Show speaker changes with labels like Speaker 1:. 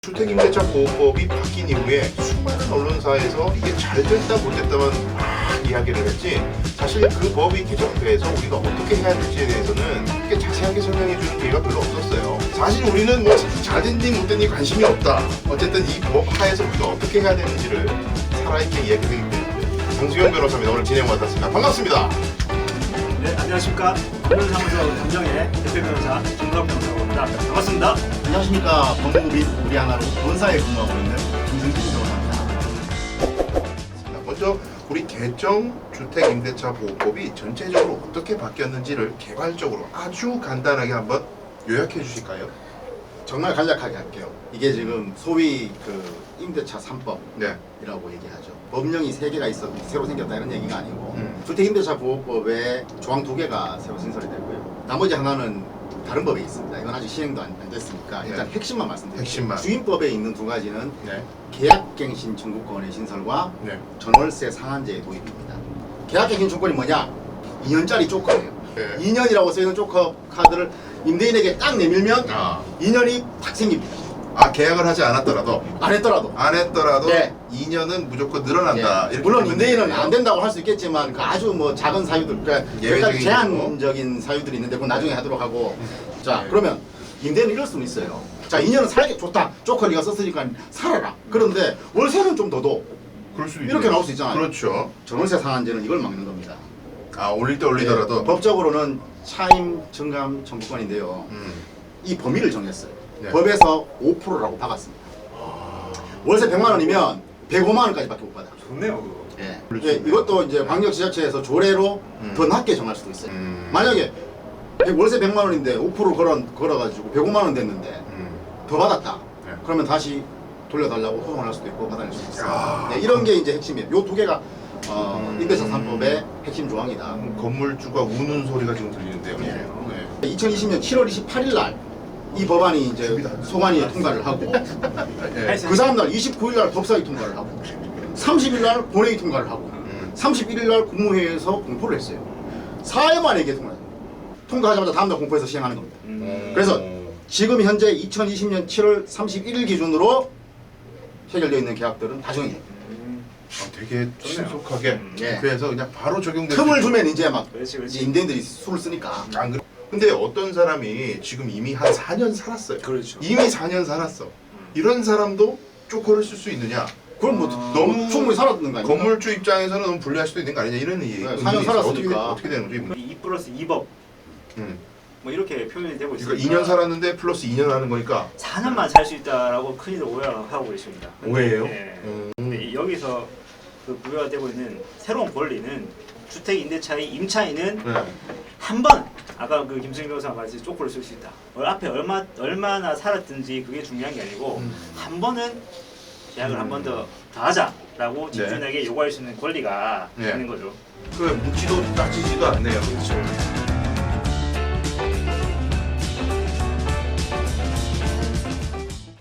Speaker 1: 주택임대차 보호법이 바뀐 이후에 수많은 언론사에서 이게 잘 됐다 못 됐다만 막 이야기를 했지, 사실 그 법이 개정돼서 우리가 어떻게 해야 될지에 대해서는 이렇게 자세하게 설명해 주는 기회가 별로 없었어요. 사실 우리는 뭐 잘 됐니 못 됐니 관심이 없다. 어쨌든 이 법 하에서 우리가 어떻게 해야 되는지를 살아있게 이야기하기 때문에 장수영 변호사입니다. 오늘 진행 맡았습니다. 반갑습니다.
Speaker 2: 네, 안녕하십니까. 변호사무소 감정의 대표 변호사 김덕 변호사라고 합니다. 반갑습니다.
Speaker 3: 안녕하십니까. 법무부 및 우리 하나로 본사에 근무하고 있는 김승진 변호사입니다.
Speaker 1: 먼저 우리 개정 주택임대차 보호법이 전체적으로 어떻게 바뀌었는지를 개괄적으로 아주 간단하게 한번 요약해 주실까요?
Speaker 3: 정말 간략하게 할게요. 이게 지금 소위 그 임대차 3법이라고
Speaker 1: 네.
Speaker 3: 얘기하죠. 법령이 3개가 있어 새로 생겼다 이런 얘기가 아니고 주택임대차 보호법에 조항 2개가 새로 신설이 됐고요. 나머지 하나는 다른 법에 있습니다. 이건 아직 시행도 안 됐으니까 일단
Speaker 1: 네.
Speaker 3: 핵심만 말씀드릴게요.
Speaker 1: 핵심만.
Speaker 3: 주임법에 있는 2가지는
Speaker 1: 네.
Speaker 3: 계약갱신 청구권의 신설과
Speaker 1: 네.
Speaker 3: 전월세 상한제의 도입입니다. 계약갱신 청구권이 뭐냐? 2년짜리 조커예요.
Speaker 1: 네.
Speaker 3: 2년이라고 쓰이는 조커 카드를 임대인에게 딱 내밀면 2년이 탁 생깁니다.
Speaker 1: 계약을 하지 않았더라도
Speaker 3: 안 했더라도. 네.
Speaker 1: 2년은 무조건 늘어난다.
Speaker 3: 예.
Speaker 1: 이렇게
Speaker 3: 물론
Speaker 1: 보면
Speaker 3: 임대인은
Speaker 1: 되겠네요.
Speaker 3: 안 된다고 할 수 있겠지만 그 아주 뭐 작은 사유들, 그러니까
Speaker 1: 예외적인
Speaker 3: 제한적인 사유들이 있는데 그건 나중에 하도록 하고. 자, 그러면 임대인은 이럴 수는 있어요. 자, 2년은 살기 좋다. 조커 네가 썼으니까 살아라. 그런데 월세는 좀 더 둬.
Speaker 1: 그럴 수
Speaker 3: 이렇게 나올 수 있잖아요.
Speaker 1: 그렇죠.
Speaker 3: 전월세 상한제는 이걸 막는 겁니다.
Speaker 1: 올릴 때 올리더라도
Speaker 3: 네, 법적으로는 차임 증감 청구권인데요. 이 범위를 정했어요.
Speaker 1: 네.
Speaker 3: 법에서 5%라고 박았습니다. 월세 100만 원이면 105만 원까지밖에 못 받아.
Speaker 2: 좋네요, 그거.
Speaker 3: 예.
Speaker 1: 그렇죠.
Speaker 3: 이것도 이제 광역지자체에서 조례로 더 낮게 정할 수도 있어요. 만약에 월세 100만 원인데 5% 걸어가지고 105만 원 됐는데 더 받았다.
Speaker 1: 네.
Speaker 3: 그러면 다시 돌려달라고 소송을 할 수도 있고 받아낼 수도 있어요.
Speaker 1: 야.
Speaker 3: 네, 이런 게 이제 핵심이에요. 요 2개가 임대차 3법의 핵심 조항이다.
Speaker 1: 건물주가 우는 소리가 지금 들리는데요.
Speaker 3: 네. 2020년 7월 28일 날 이 법안이 이제 소관위에 통과를 하고
Speaker 1: 네.
Speaker 3: 그 다음 날 29일 날 법사위 통과를 하고 30일 날 본회의 통과를 하고 31일 날 국무회의에서 공포를 했어요. 4일 만에 이게 통과하자마자 다음 날 공포해서 시행하는 겁니다. 그래서 지금 현재 2020년 7월 31일 기준으로 해결되어 있는 계약들은 다 정해요.
Speaker 1: 되게 신속하게.
Speaker 3: 네.
Speaker 1: 그래서 그냥 바로 적용될
Speaker 3: 틈을
Speaker 1: 수
Speaker 3: 주면 이제 막
Speaker 2: 그렇지, 그렇지.
Speaker 3: 이제 임대인들이 술을 쓰니까.
Speaker 1: 안 그래? 근데 어떤 사람이 지금 이미 한 4년 살았어요.
Speaker 2: 그렇죠.
Speaker 1: 이미 4년 살았어. 이런 사람도 쪼커를 쓸수 있느냐?
Speaker 3: 그럼 뭐 너무 충분히 살았는 거 아닙니까?
Speaker 1: 건물주 입장에서는 너무 불리할 수도 있는 거 아니냐 이런 얘기.
Speaker 3: 네, 4년 살았으니까.
Speaker 1: 어떻게 되는 거지?
Speaker 2: 2+2법
Speaker 1: 음.
Speaker 2: 뭐 이렇게 표현이 되고 있습니다.
Speaker 1: 그러니까 2년 살았는데 플러스 2년 하는 거니까
Speaker 2: 4년만 살 수 있다라고 흔히들 오해하고 계십니다.
Speaker 1: 오해예요?
Speaker 2: 네. 근데 여기서 그 부여가 되고 있는 새로운 권리는 주택 임대차의 임차인은
Speaker 1: 네.
Speaker 2: 한 번, 아까 그 김승희 변호사가 말했듯이 쪼꼬를 쓸 수 있다. 앞에 얼마나 살았든지 그게 중요한 게 아니고 한 번은 계약을 한 번 더 하자라고 집주인에게 요구할 수 있는 권리가
Speaker 1: 네.
Speaker 2: 있는 거죠.
Speaker 1: 그 묻지도 따지지도 않네요.
Speaker 2: 그렇죠.